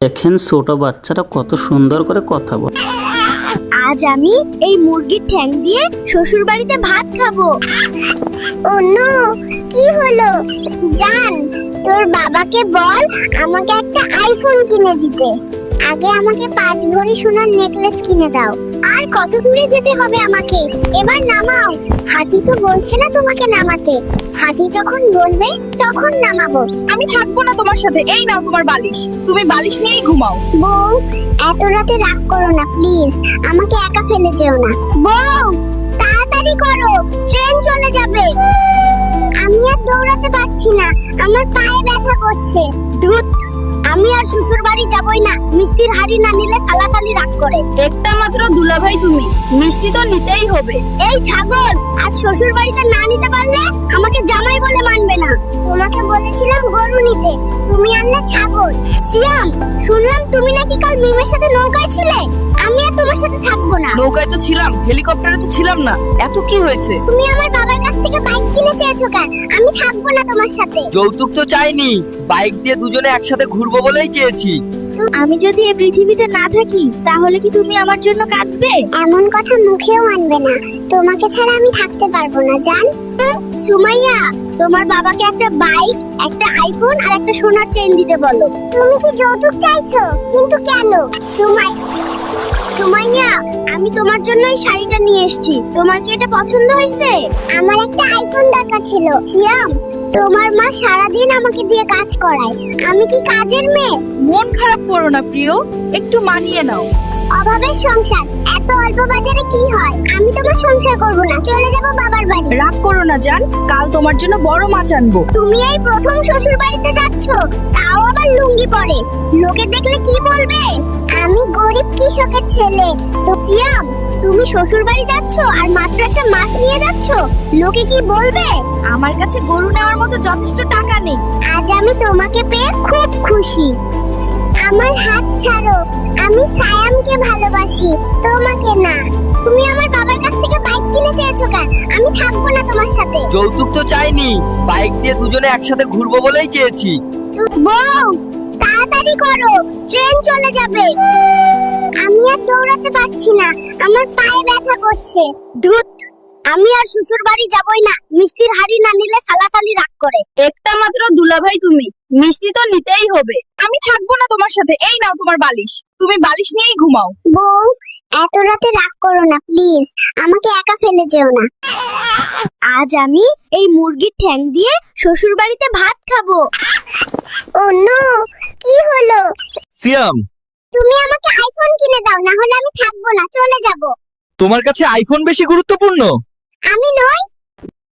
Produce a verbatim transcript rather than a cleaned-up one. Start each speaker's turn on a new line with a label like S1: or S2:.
S1: দেখেন ছোট বাচ্চারা কত সুন্দর করে কথা বলে।
S2: আজ আমি এই মুরগির ঠ্যাং দিয়ে শ্বশুর বাড়িতে ভাত খাবো।
S3: ও নো, কি হলো? জান, তোর বাবাকে বল আমাকে একটা আইফোন কিনে দিতে। আগে আমাকে পাঁচ ভরি সোনার নেকলেস কিনে দাও। আর কত দূরে যেতে হবে আমাকে? এবার নামাও। হাতি তো বলছে না তোমাকে নামাতে। হাতি যখন বলবে তখন নামাবো।
S4: আমি থাকবো না তোমার সাথে। এই নাও তোমার বালিশ, তুমি বালিশ নিয়েই ঘুমাও।
S3: বউ, এত রাতে রাগ করো না প্লিজ। আমাকে একা ফেলে যেও না। বউ, তাড়াতাড়ি করো, ট্রেন চলে যাবে। আমি আর দৌড়াতে পারছি না, আমার পায়ে ব্যথা করছে। ধুত, আমি আর শ্বশুর বাড়ি যাবই না। মিষ্টির হাড়ি না নিলে সালাসালি রাগ করে।
S4: একটা মাত্র দুলাভাই তুমি, মিষ্টি তো নিতেই হবে।
S3: এই ছাগল, আজ শ্বশুর বাড়িতে না নিতে পারলে আমাকে জামাই বলে মানবে না। তোমাকে বলেছিলাম গরু নিতে, তুমি আনলে ছাগল। সিয়াম, শুনলাম তুমি নাকি কাল মিমের সাথে নৌকায় ছিলে। আমি আর তোমার সাথে থাকবো না।
S4: নৌকায় তো ছিলাম, হেলিকপ্টারে তো ছিলাম না। এত কি হয়েছে?
S3: তুমি আমার বাবার কাছ থেকে বাইক কিনে চেয়েছো কেন? আমি থাকবো না তোমার সাথে।
S5: যৌতুক তো চাইনি, বাইক দিয়ে দুজনে একসাথে ঘুরবো বলেই চেয়েছি।
S2: আমি যদি এই পৃথিবীতে না থাকি তাহলে কি তুমি আমার জন্য কাঁদবে?
S3: এমন কথা মুখেও আনবে না। তোমাকে ছাড়া আমি থাকতে পারবো না জান। সুমাইয়া, তোমার বাবাকে একটা বাইক, একটা আইফোন আর একটা সোনার চেইন দিতে বলো। তুমি কি যৌতুক চাইছো? কিন্তু কেন? সুমাই সুমাইয়া, আমি তোমার জন্য এই শাড়িটা নিয়ে এসেছি। তোমার কি এটা পছন্দ হয়েছে? আমার একটা আইফোন দরকার ছিল। সিয়াম, তোমার মা সারাদিন আমাকে দিয়ে কাজ করায়। আমি কি কাজের মেয়ে?
S4: মন খারাপ করো না প্রিয়, একটু মানিয়ে নাও।
S3: অভাবের সংসার, এত অল্প বাজারে কি হয়? আমি তোমার সংসার করব না, চলে যাব বাবার বাড়ি।
S4: রাগ করো না জান, কাল তোমার জন্য বড় মাছ আনবো।
S3: তুমি এই প্রথম শ্বশুর বাড়িতে যাচ্ছ, তাও আবার লুঙ্গি পরে। লোকে দেখলে কি বলবে? আমি গরিব কৃষকের ছেলে। তো সিয়াম, তুমি শ্বশুর বাড়ি যাচ্ছ আর মাত্র একটা মাছ নিয়ে যাচ্ছ, লোকে কি বলবে?
S2: আমার কাছে গরু নেওয়ার মতো যথেষ্ট টাকা নেই।
S3: আজ আমি তোমাকে পেয়ে খুব খুশি। আমার হাত ছাড়ো, আমি সায়ামকে ভালোবাসি, তোমাকে না। তুমি আমার বাবার কাছ থেকে বাইক কিনে চেয়েছো কেন? আমি থাকবো না তোমার সাথে।
S5: যৌতুক তো চাইনি, বাইক দিয়ে দুজনে একসাথে ঘুরবো বলেই চেয়েছি।
S3: বউ, তাড়াতাড়ি করো, ট্রেন চলে যাবে। আমি আর দৌড়াতে পারছি না, আমার পায়ে ব্যথা করছে। ধুত, আমি আর শ্বশুর বাড়ি যাবই না। মিষ্টির হাড়ি না নিলে সালাসালি রাগ করে।
S4: একটা মাত্র দুলাভাই তুমি, মিষ্টি তো নিতেই হবে। আমি থাকবো না তোমার সাথে। এই নাও তোমার বালিশ, তুমি বালিশ নিয়েই ঘুমাও।
S3: বউ, এত রাতে রাগ করো না প্লিজ। আমাকে একা ফেলে যেও না।
S2: আজ আমি এই মুরগির ঠ্যাং দিয়ে শ্বশুর বাড়িতে ভাত খাবো।
S3: ও নো, কি হলো?
S5: সিয়াম,
S3: তুমি আমাকে আইফোন কিনে দাও, না হলে আমি থাকবো না, চলে যাব।
S5: তোমার কাছে আইফোন বেশি গুরুত্বপূর্ণ?
S3: আমি নই,